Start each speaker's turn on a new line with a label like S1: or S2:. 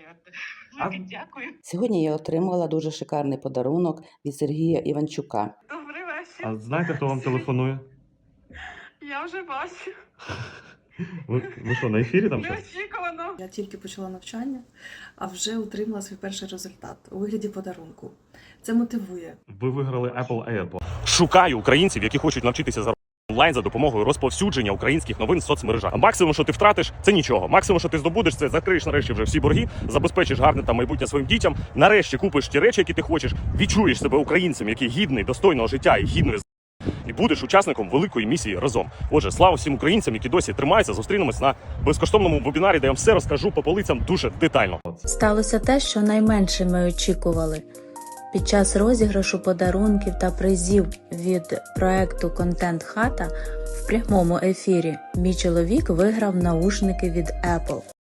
S1: А
S2: Дякую.
S3: Сьогодні я отримала дуже шикарний подарунок від Сергія Іванчука.
S2: Добрий вечір.
S1: а знаєте, хто вам телефонує?
S2: Я вже бачу.
S1: Ви що, на ефірі там щось?
S2: Неочікувано.
S4: Я тільки почала навчання, а вже отримала свій перший результат у вигляді подарунку. Це мотивує.
S1: Ви виграли Apple AirPods.
S5: Шукаю українців, які хочуть навчитися заробляти онлайн за допомогою розповсюдження українських новин в соцмережах. А максимум, що ти втратиш, це нічого. Максимум, що ти здобудеш, це закриєш нарешті вже всі борги, забезпечиш гарне там майбутнє своїм дітям. Нарешті купиш ті речі, які ти хочеш, відчуєш себе українцем, який гідний, достойного життя і гідної і будеш учасником великої місії разом. Отже, слава всім українцям, які досі тримаються. Зустрінемось на безкоштовному вебінарі, де я вам все розкажу по полицям дуже детально.
S6: Сталося те, що найменше ми очікували. Під час розіграшу подарунків та призів від проекту «Контент Хата» в прямому ефірі мій чоловік виграв наушники від Apple.